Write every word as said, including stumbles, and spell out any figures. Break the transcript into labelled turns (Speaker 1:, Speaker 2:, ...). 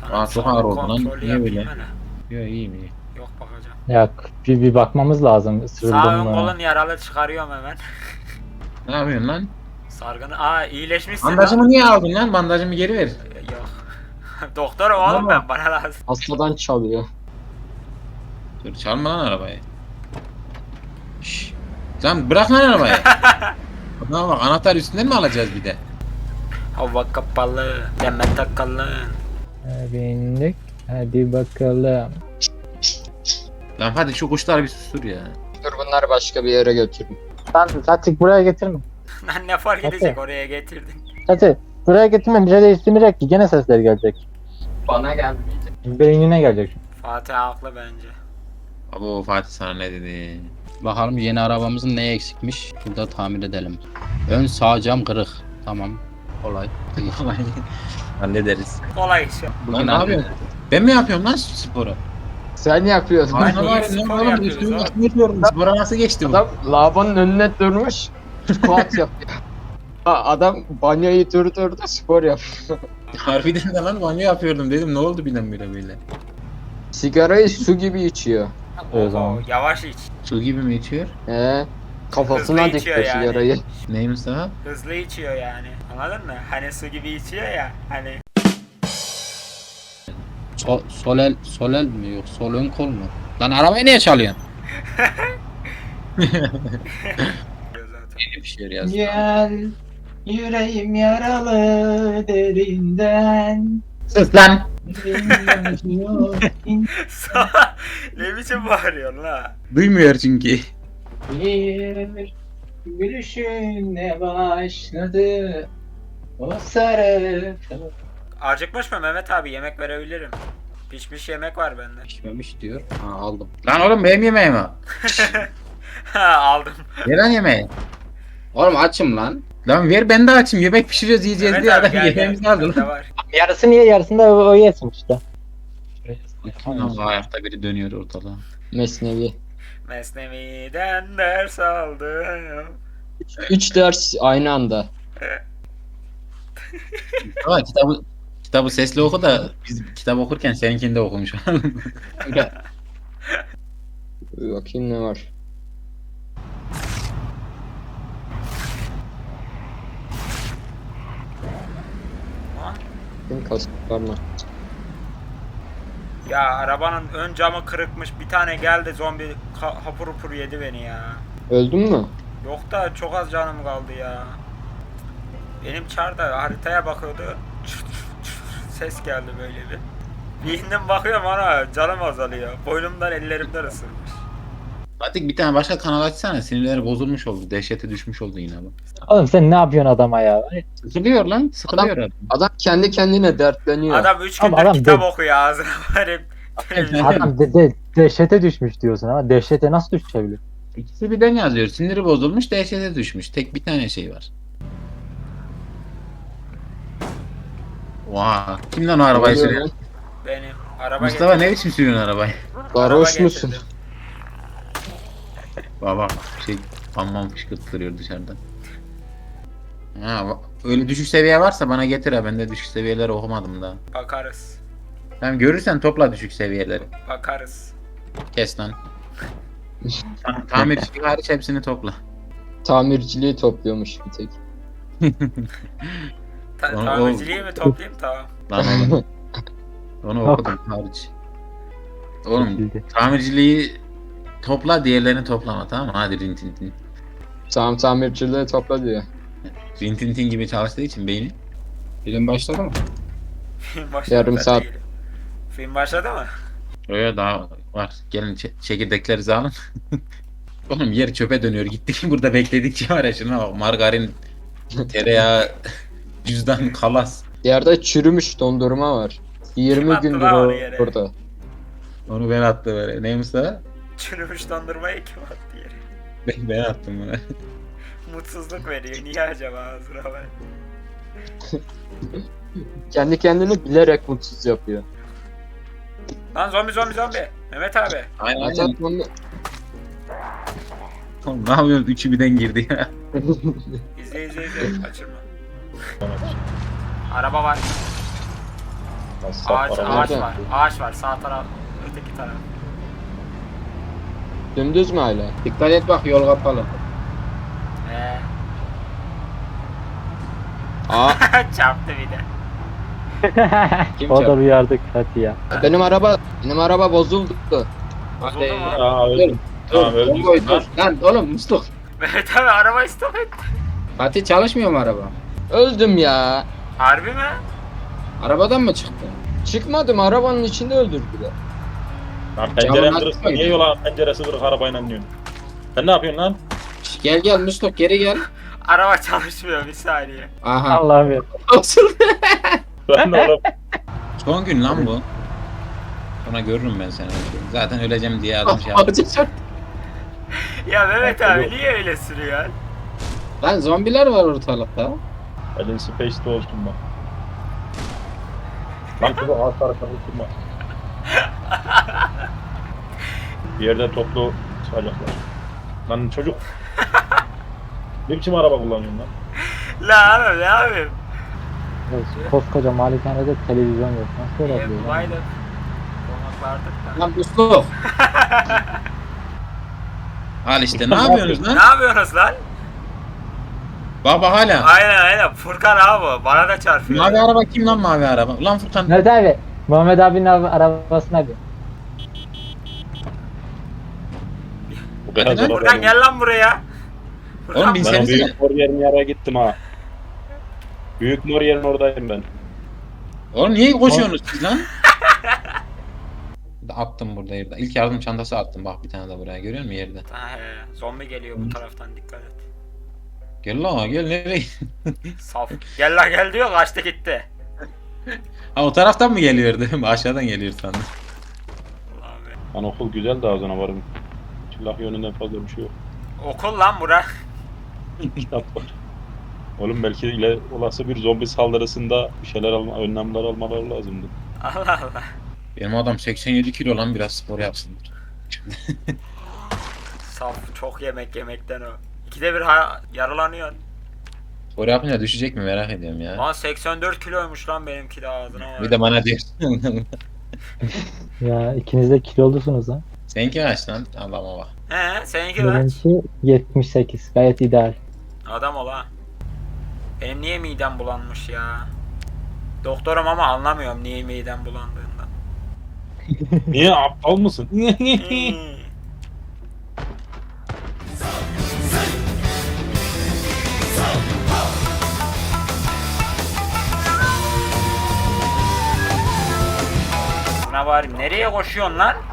Speaker 1: Aa çok ağır oldu lan.
Speaker 2: Kontrolü
Speaker 1: Niye
Speaker 2: yapayım
Speaker 1: böyle?
Speaker 2: hele.
Speaker 1: Yok iyiyim iyi.
Speaker 2: Yok bakacağım.
Speaker 3: Ya bir, bir bakmamız lazım.
Speaker 2: Sağ
Speaker 3: Isırıldım
Speaker 2: ön
Speaker 3: mı?
Speaker 2: kolun yaralı, çıkarıyorum hemen.
Speaker 1: Ne yapıyorsun lan?
Speaker 2: Sargını. Aa iyileşmişsin lan.
Speaker 1: Bandajımı niye aldın lan? Bandajımı geri ver.
Speaker 2: Yok. Doktorum oğlum
Speaker 1: Baba.
Speaker 2: ben, bana lazım.
Speaker 4: Hastadan çalıyor.
Speaker 1: Dur çalma lan arabayı. Şşş. Lan bırak lan arabayı. Bana bak anahtar üstünden mi alacağız bir de?
Speaker 2: Hava kapalı, Demet takalın.
Speaker 3: Bindik. Hadi bakalım.
Speaker 1: Lan hadi şu kuşlar bir sustur ya.
Speaker 4: Dur bunları başka bir yere götürün.
Speaker 3: Lan Fatih buraya getirme.
Speaker 2: Lan ne fark
Speaker 3: Hadi.
Speaker 2: edecek, oraya getirdin.
Speaker 3: Fatih buraya getirme. Bize değiştirmeyecek ki. Gene sesler gelecek.
Speaker 4: Bana gelmeyecek.
Speaker 3: Beynine gelecek.
Speaker 2: Fatih haklı bence.
Speaker 1: Abo Fatih sana ne dedi?
Speaker 5: Bakalım yeni arabamızın neye eksikmiş. Burada tamir edelim. Ön sağ cam kırık. Tamam. Kolay.
Speaker 1: Hallederiz.
Speaker 2: Kolay iş.
Speaker 1: Lan
Speaker 5: Bugün
Speaker 1: ne yapıyorsun? Ben mi yapıyorum lan sporu?
Speaker 4: Sen yapıyorsun.
Speaker 1: Aynen
Speaker 2: iyi
Speaker 1: var.
Speaker 2: spor
Speaker 1: Ne oğlum
Speaker 2: yapıyoruz
Speaker 1: üstümü
Speaker 2: abi.
Speaker 1: üstümü yapıyorum. Spora nasıl geçti bu?
Speaker 4: Adam lavabonun önüne durmuş. Squat yapıyor. Ha, adam banyoyu durdurdu spor yapıyor.
Speaker 1: Harbiden de lan banyo yapıyordum dedim. Ne oldu birdenbire böyle?
Speaker 4: Sigarayı su gibi içiyor.
Speaker 3: O zaman.
Speaker 2: Yavaş iç.
Speaker 1: Su gibi mi içiyor?
Speaker 4: He. Kafasına
Speaker 2: Hızlı içiyor
Speaker 4: dikti
Speaker 2: yani.
Speaker 4: sigarayı.
Speaker 1: Neymiş daha?
Speaker 2: Hızlı içiyor yani. Anladın mı? Hani su gibi içiyor ya. Hani.
Speaker 5: Sol, sol el, sol el mi yok? Sol ön kol mu? Lan arabayı niye çalıyorsun?
Speaker 2: Zaten.
Speaker 1: Yeni bir şey yazdı.
Speaker 3: Gel yüreğim yaralı derinden.
Speaker 1: Sus lan!
Speaker 2: Ne biçim bağırıyorsun la?
Speaker 1: Duymuyor çünkü.
Speaker 3: Bir gülüşünle başladı o sarı.
Speaker 2: Acıkmış mı Mehmet abi? Yemek verebilirim. Pişmiş yemek var bende.
Speaker 5: Pişmemiş diyor. Ha aldım.
Speaker 1: Lan oğlum benim yemeğim o.
Speaker 2: Ha aldım.
Speaker 1: Ver lan yemeği.
Speaker 5: Oğlum açım lan.
Speaker 1: Lan ver ben de açayım. Yemek pişiriyoruz yiyeceğiz
Speaker 2: Mehmet
Speaker 1: diye
Speaker 2: abi
Speaker 1: adam
Speaker 2: gel gel.
Speaker 1: yemeğimizi aldı
Speaker 2: Bende
Speaker 1: lan.
Speaker 2: var.
Speaker 3: Yarısı niye yarısında o, o yesin işte.
Speaker 1: Lan ayakta biri dönüyor ortada.
Speaker 4: Mesnevi.
Speaker 2: Mesnevi'den ders aldım.
Speaker 4: Üç ders aynı anda.
Speaker 1: Ama kitabı kitabı sesli oku da biz kitap okurken seninkini de okumuş.
Speaker 4: Bir bakayım ne var.
Speaker 2: Lan.
Speaker 4: Kim kask var mı?
Speaker 2: Ya arabanın ön camı kırıkmış. Bir tane geldi zombi ka- hapur hapur yedi beni ya.
Speaker 4: Öldün mü?
Speaker 2: Yok da çok az canım kaldı ya. Benim çar da haritaya bakıyordu. Ses geldi böyle bir. Bir indim bakıyorum ana canım azalıyor. Boynumdan ellerimden ısırmış.
Speaker 1: Fatih bir tane başka kanal açsana. Sinirleri bozulmuş oldu. Dehşete düşmüş oldu yine bu.
Speaker 3: Oğlum sen ne yapıyorsun adama ya?
Speaker 1: Sıkılıyor lan. Sıkılıyor adam.
Speaker 4: Adam kendi kendine dertleniyor.
Speaker 2: Adam üç
Speaker 3: Ama
Speaker 2: gündür
Speaker 3: adam
Speaker 2: kitap
Speaker 3: de-
Speaker 2: okuyor ağzına varıp.
Speaker 3: Adam de, de, dehşete düşmüş diyorsun ama dehşete nasıl düşebilir?
Speaker 1: İkisi birden yazıyor. Siniri bozulmuş, dehşete düşmüş. Tek bir tane şey var. Vaa. Kim lan o arabayı
Speaker 4: Oluyor
Speaker 1: sürüyor?
Speaker 4: lan.
Speaker 2: Benim araba
Speaker 1: Mustafa
Speaker 2: getirdim.
Speaker 1: ne biçim sürüyorsun arabayı?
Speaker 4: Sarhoş
Speaker 2: Araba
Speaker 4: musun?
Speaker 2: getirdim.
Speaker 1: Baba şey aman fışkırtılıyor dışarıdan. Ha, va- öyle düşük seviye varsa bana getir ha. Ben de düşük seviyeleri okumadım daha.
Speaker 2: Bakarız.
Speaker 1: Tamam görürsen topla düşük seviyeleri.
Speaker 2: Bakarız.
Speaker 1: Kes lan. Ta- Tamircilik hariç hepsini topla.
Speaker 4: Tamirciliği topluyormuş bir tek.
Speaker 2: Ta-
Speaker 1: O- o-
Speaker 2: tamirciliği mi toplayayım tamam.
Speaker 1: Lan oğlum. Onu okudum hariç. Oğlum
Speaker 3: Bildi.
Speaker 1: tamirciliği topla diğerlerini toplama tamam mı? Hadi rintintin.
Speaker 4: Tamam tamirciliği topla diyor.
Speaker 1: Rintintin gibi çalıştığı için beyni.
Speaker 5: Film başladı mı?
Speaker 2: Film başladı.
Speaker 4: Yarım
Speaker 2: ben
Speaker 4: saat.
Speaker 2: değilim. Film başladı mı?
Speaker 1: Öyle daha var. Gelin çe- çekirdeklerinizi alın. Oğlum yer çöpe dönüyor. Gittik burada bekledikçe var ya şuna bak. Margarin, tereyağı, cüzdan, kalas.
Speaker 4: Yerde çürümüş dondurma var. yirmi
Speaker 2: attı
Speaker 4: gündür
Speaker 2: lan
Speaker 4: o
Speaker 2: onu yere?
Speaker 4: burada.
Speaker 1: Onu ben attım böyle. Neymiş daha?
Speaker 2: Çürümüş dondurmayı kim attı yere?
Speaker 1: Ben, ben attım bunu.
Speaker 2: Mutsuzluk veriyor. Niye acaba ağzına bak?
Speaker 4: Kendi kendini bilerek mutsuz yapıyor.
Speaker 2: Lan zombi zombi zombi. Mehmet abi.
Speaker 1: Aynen aynen.
Speaker 4: Zaten onu...
Speaker 1: Oğlum ne yapıyorsun? Üçü birden girdi ya.
Speaker 2: İzle izle izle. Kaçırma. Araba var.
Speaker 6: Nasıl
Speaker 2: Ağaç,
Speaker 6: araba
Speaker 2: ağaç
Speaker 4: nerede?
Speaker 2: var. Ağaç var sağ taraf. Öteki taraf.
Speaker 4: Dümdüz mü hala?
Speaker 5: Dikkat et bak yol kapalı.
Speaker 2: Ee,
Speaker 4: Aa,
Speaker 2: çarptı bir de.
Speaker 5: Kim
Speaker 3: O da
Speaker 5: çarptı?
Speaker 3: uyardık hadi ya.
Speaker 4: benim araba benim araba bozuldu.
Speaker 2: Bozuldu mu?
Speaker 6: Aa öldüm. Tamam
Speaker 5: Dur,
Speaker 6: öldüm.
Speaker 5: bombayı dur. Lan oğlum Mustafa.
Speaker 2: Mehmet abi arabayı stop etti.
Speaker 5: Fatih çalışmıyor mu araba?
Speaker 4: Öldüm ya.
Speaker 2: Harbi mi?
Speaker 5: Arabadan mı çıktı?
Speaker 4: Çıkmadım, arabanın içinde öldürdüler.
Speaker 6: Lan pencerem
Speaker 5: Camın
Speaker 6: kırık.
Speaker 5: açmayın.
Speaker 6: Niye yola penceresi kırık arabayla diyorsun? Sen ne yapıyorsun lan?
Speaker 5: Şş, Gel gel Mustafa geri gel.
Speaker 2: Araba çalışmıyor bir saniye.
Speaker 5: Aha.
Speaker 3: Allah'ım ya.
Speaker 5: Olsun.
Speaker 6: Ben de oğlum.
Speaker 1: Son gün lan bu. Sonra görürüm ben seni. Zaten öleceğim diye adam şey yaptı.
Speaker 5: Ağaca çarptı.
Speaker 2: Ya Mehmet
Speaker 6: Yok.
Speaker 2: abi niye öyle sürüyor?
Speaker 5: Lan zombiler var ortalıkta.
Speaker 6: Elin space'de olsun bak. Lan kızı ağaçlara karıştırma. Bir yerde toplu çıkacaklar. Lan çocuk. Ne biçim araba kullanıyorsun lan?
Speaker 2: La abi ne yapayım?
Speaker 3: Koskoca malikanede televizyon yok. Nasıl
Speaker 2: İyi
Speaker 3: olabiliyor? lan?
Speaker 2: bulaydık. Konaklardık da.
Speaker 5: Lan Mustafa.
Speaker 1: Al işte ne yapıyorsunuz
Speaker 2: Ne
Speaker 1: lan?
Speaker 2: yapıyorsunuz lan?
Speaker 1: Baba hala.
Speaker 2: Aynen aynen Furkan abi o. Bana da çarpıyor.
Speaker 1: Mavi araba kim lan mavi araba? Ulan Furkan.
Speaker 3: Nerede abi? Muhammed abinin abi, arabasına bir.
Speaker 6: Bu beyaz
Speaker 1: Neden?
Speaker 6: araba.
Speaker 2: Furkan gel lan buraya. Furkan
Speaker 1: Oğlum
Speaker 6: Ben o
Speaker 1: binsenize.
Speaker 6: büyük mor yerin yere gittim ha. Büyük mor yerin oradayım ben.
Speaker 1: Oğlum niye koşuyorsunuz siz lan? Attım burada yerde. İlk yardım çantası attım. Bak bir tane de buraya görüyor musun yerde?
Speaker 2: Ha, he, zombi geliyor bu taraftan dikkat et.
Speaker 1: Gel lan gel nereye?
Speaker 2: Saf. Gel lan gel diyor kaçtı gitti.
Speaker 1: Ha o taraftan mı geliyor değil mi? Aşağıdan geliyor sandım.
Speaker 2: Ulan be.
Speaker 6: Lan okul güzel de ağzına varım. Silah yönünden fazla bir şey yok.
Speaker 2: Okul lan bura.
Speaker 6: Kitap var. Oğlum belki ile olası bir zombi saldırısında bir şeyler alma, önlemler almaları lazımdı.
Speaker 2: Allah Allah.
Speaker 1: Benim adam seksen yedi kilo lan biraz spor yapsın.
Speaker 2: Saf çok yemek yemekten o. İkide bir ha- yaralanıyor.
Speaker 1: Spor yapınca düşecek mi merak ediyorum ya.
Speaker 2: Lan seksen dört kiloymuş lan benimki de ağzına var.
Speaker 1: Bir de bana diyor.
Speaker 3: Ya ikiniz de kilolusunuz ha.
Speaker 1: Seninki kaç lan? Allah'ıma bak.
Speaker 2: He seninki kaç?
Speaker 3: Benimki yetmiş sekiz. Gayet ideal.
Speaker 2: Adam ol ha. Benim niye midem bulanmış ya? Doktorum ama anlamıyorum niye midem bulandığından.
Speaker 6: Niye aptal mısın?
Speaker 2: Hmm. Buna bari nereye koşuyorsun lan?